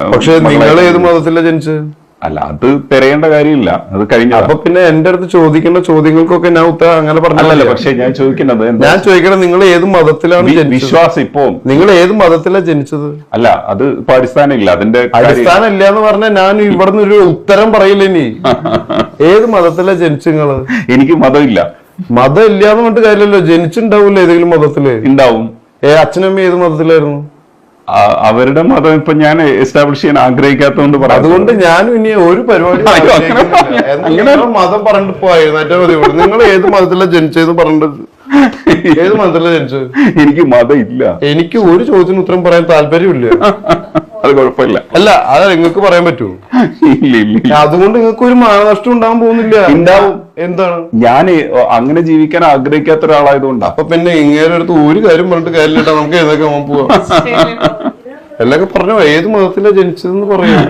പക്ഷെ നിങ്ങൾ ഏത് മതത്തിലാണ് ജനിച്ചത്? അല്ല, അത് തിരയേണ്ട കാര്യമില്ല, അത് കഴിഞ്ഞ. അപ്പൊ പിന്നെ എന്റെ അടുത്ത് ചോദിക്കുന്ന ചോദ്യങ്ങൾക്കൊക്കെ ഞാൻ ഉത്തരം അങ്ങനെ പറഞ്ഞല്ലോ. പക്ഷെ ഞാൻ ചോദിക്കുന്നത്, നിങ്ങൾ ഏത് മതത്തിലാണ് വിശ്വാസം? ഇപ്പൊ നിങ്ങൾ ഏത് മതത്തിലാണ് ജനിച്ചത്? അല്ല, അത് ഇപ്പൊ അടിസ്ഥാനമില്ല, അതിന്റെ അടിസ്ഥാനം ഇല്ല എന്ന് പറഞ്ഞാൽ ഞാൻ ഇവിടുന്ന് ഒരു ഉത്തരം പറയില്ല. ഇനി ഏത് മതത്തിലാണ് ജനിച്ചു നിങ്ങള്? എനിക്ക് മതമില്ല. മതം ഇല്ലാന്ന് പറഞ്ഞിട്ട് കാര്യമല്ലോ, ജനിച്ചിണ്ടാവൂല്ലോ ഏതെങ്കിലും മതത്തില്. ഉണ്ടാവും. അച്ഛനമ്മ ഏത് മതത്തിലായിരുന്നു? അവരുടെ മതം ഇപ്പൊ ഞാൻ എസ്റ്റാബ്ലിഷ് ചെയ്യാൻ ആഗ്രഹിക്കാത്തതുകൊണ്ട് പറയാം. അതുകൊണ്ട് ഞാനും ഇനി ഒരു പരിപാടി അങ്ങനെ മതം പറഞ്ഞിട്ട് പോയിരുന്നേറ്റാ മതി. നിങ്ങൾ ഏത് മതത്തിലാണ് ജനിച്ചതെന്ന് പറഞ്ഞിട്ട്, ഏത് മതത്തിലാണ് ജനിച്ചത്? എനിക്ക് മതം ഇല്ല. എനിക്ക് ഒരു ചോദ്യത്തിന് ഉത്തരം പറയാൻ താല്പര്യമില്ല. അത് കുഴപ്പമില്ല. അല്ല, അത് നിങ്ങൾക്ക് പറയാൻ പറ്റുമോ? ഇല്ല. അതുകൊണ്ട് നിങ്ങൾക്ക് ഒരു മാനനഷ്ടം ഉണ്ടാകാൻ പോകുന്നില്ല. ഉണ്ടാവും. എന്താണ്? ഞാൻ അങ്ങനെ ജീവിക്കാൻ ആഗ്രഹിക്കാത്ത ഒരാളായതുകൊണ്ട്. അപ്പൊ പിന്നെ ഇങ്ങനെ അടുത്ത് ഒരു കാര്യം പറഞ്ഞിട്ട് കാര്യമില്ല. നമുക്ക് ഏതൊക്കെ പോവാം. എല്ലൊക്കെ പറഞ്ഞോ, ഏത് മതത്തിലാണ് ജനിച്ചതെന്ന് പറയാ.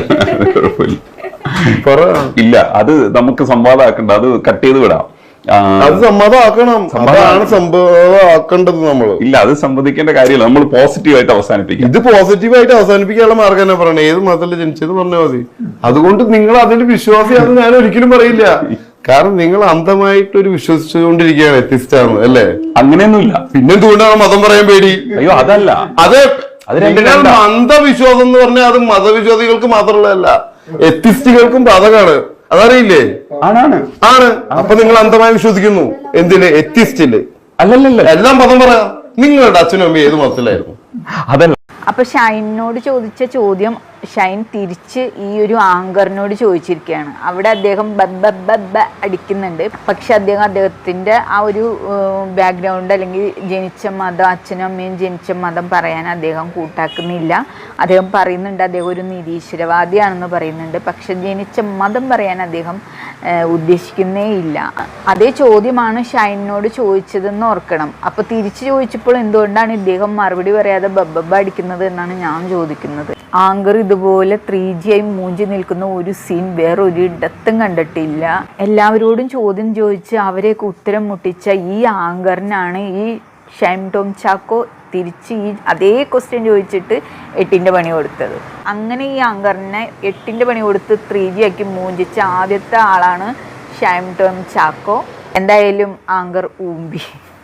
ഇല്ല, അത് നമുക്ക് സംവാദമാക്കണ്ട, അത് കട്ട് ചെയ്ത് വിടാം. അത് സമ്മതമാക്കണം. അതാണ് സംഭവമാക്കേണ്ടത് നമ്മള്. ഇല്ല, അത് സംവദിക്കേണ്ട കാര്യമില്ല, നമ്മൾ പോസിറ്റീവായിട്ട് അവസാനിപ്പിക്കും. ഇത് പോസിറ്റീവായിട്ട് അവസാനിപ്പിക്കാനുള്ള മാർഗം തന്നെ പറയണേ. ഏത് മതത്തില് ജനിച്ചത് പറഞ്ഞാൽ മതി. അതുകൊണ്ട് നിങ്ങൾ അതിൽ വിശ്വാസിയാണെന്ന് ഞാൻ ഒരിക്കലും പറയില്ല. കാരണം നിങ്ങൾ അന്ധമായിട്ടൊരു വിശ്വസിച്ചുകൊണ്ടിരിക്കുകയാണ് എത്തിസ്റ്റാണ്, അല്ലേ? അങ്ങനെയൊന്നുമില്ല. പിന്നെന്തുകൊണ്ടാണ് മതം പറയാൻ പേടി? അയ്യോ, അതല്ല. അത് അന്ധവിശ്വാസം എന്ന് പറഞ്ഞാൽ അത് മതവിശ്വാസികൾക്ക് മാത്രമുള്ളതല്ല, എത്തിസ്റ്റുകൾക്കും ബാധകമാണ്. അതറിയില്ലേ? ആണ്. അപ്പൊ നിങ്ങൾ അന്ധമായി വിശ്വസിക്കുന്നു. എന്തില്? എത്തിസ്റ്റില്. അല്ലല്ല, എല്ലാം മതം പറയാം. നിങ്ങളുടെ അച്ഛനും അമ്മയും ഏത് മതത്തിലായിരുന്നു? അതല്ല. അപ്പൊ ഷൈനോട് ചോദിച്ച ചോദ്യം ഷൈൻ തിരിച്ച് ഈ ഒരു ആങ്കറിനോട് ചോദിച്ചിരിക്കുകയാണ്. അവിടെ അദ്ദേഹം ബബ്ബ അടിക്കുന്നുണ്ട്. പക്ഷെ അദ്ദേഹത്തിന്റെ ആ ഒരു ബാക്ക്ഗ്രൗണ്ട് അല്ലെങ്കിൽ ജനിച്ച മതം, അച്ഛനും അമ്മയും ജനിച്ച മതം പറയാൻ അദ്ദേഹം കൂട്ടാക്കുന്നില്ല. അദ്ദേഹം പറയുന്നുണ്ട് അദ്ദേഹം ഒരു നിരീശ്വരവാദിയാണെന്ന് പറയുന്നുണ്ട്. പക്ഷെ ജനിച്ച മതം പറയാൻ അദ്ദേഹം ഉദ്ദേശിക്കുന്നേ ഇല്ല. അതേ ചോദ്യമാണ് ഷൈനോട് ചോദിച്ചതെന്ന് ഓർക്കണം. അപ്പൊ തിരിച്ചു ചോദിച്ചപ്പോൾ എന്തുകൊണ്ടാണ് ഇദ്ദേഹം മറുപടി പറയാതെ ബബ്ബ അടിക്കുന്നത് എന്നാണ് ഞാൻ ചോദിക്കുന്നത്. ആങ്കർ ഇതുപോലെ 3G ആയി മൂഞ്ചി നിൽക്കുന്ന ഒരു സീൻ വേറൊരിടത്തും കണ്ടിട്ടില്ല. എല്ലാവരോടും ചോദ്യം ചോദിച്ച് അവരെയൊക്കെ ഉത്തരം മുട്ടിച്ച ഈ ആങ്കറിനാണ് ഈ ഷൈൻ ടോം ചാക്കോ തിരിച്ച് ഈ അതേ ക്വസ്റ്റ്യൻ ചോദിച്ചിട്ട് 8ന്റെ പണി കൊടുത്തത്. അങ്ങനെ ഈ ആങ്കറിനെ 8ന്റെ പണി കൊടുത്ത് 3G ആക്കി മൂഞ്ചിച്ച ആദ്യത്തെ ആളാണ് ഷൈൻ ടോം ചാക്കോ. എന്തായാലും ആങ്കർ ഊമ്പി.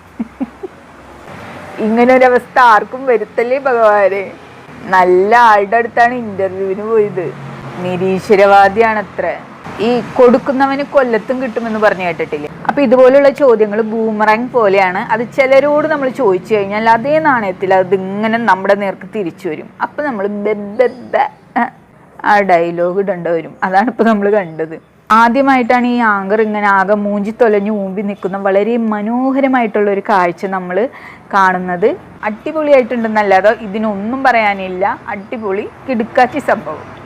ഇങ്ങനൊരവസ്ഥ ആർക്കും വരുത്തല്ലേ ഭഗവാനെ. നല്ല ആളുടെ അടുത്താണ് ഇന്റർവ്യൂവിന് പോയത്. നിരീശ്വരവാദിയാണത്ര. ഈ കൊടുക്കുന്നവന് കൊല്ലത്തും കിട്ടുമെന്ന് പറഞ്ഞു കേട്ടിട്ടില്ലേ? അപ്പൊ ഇതുപോലുള്ള ചോദ്യങ്ങൾ ബൂമറാങ് പോലെയാണ്. അത് ചിലരോട് നമ്മൾ ചോദിച്ചു കഴിഞ്ഞാൽ അതേ നാണയത്തിൽ അതിങ്ങനെ നമ്മുടെ നേർക്ക് തിരിച്ചു വരും. അപ്പൊ നമ്മൾ ആ ഡയലോഗ് ഇടേണ്ടി വരും. അതാണ് ഇപ്പൊ നമ്മൾ കണ്ടത്. ആദ്യമായിട്ടാണ് ഈ ആങ്കർ ഇങ്ങനെ ആകെ മൂഞ്ചി തൊലഞ്ഞു ഊമ്പി നിൽക്കുന്ന വളരെ മനോഹരമായിട്ടുള്ള ഒരു കാഴ്ച നമ്മൾ കാണുന്നത്. അടിപൊളിയായിട്ടുണ്ടെന്നല്ലാതെ ഇതിനൊന്നും പറയാനില്ല. അടിപൊളി കിടുക്കാച്ചി സംഭവം.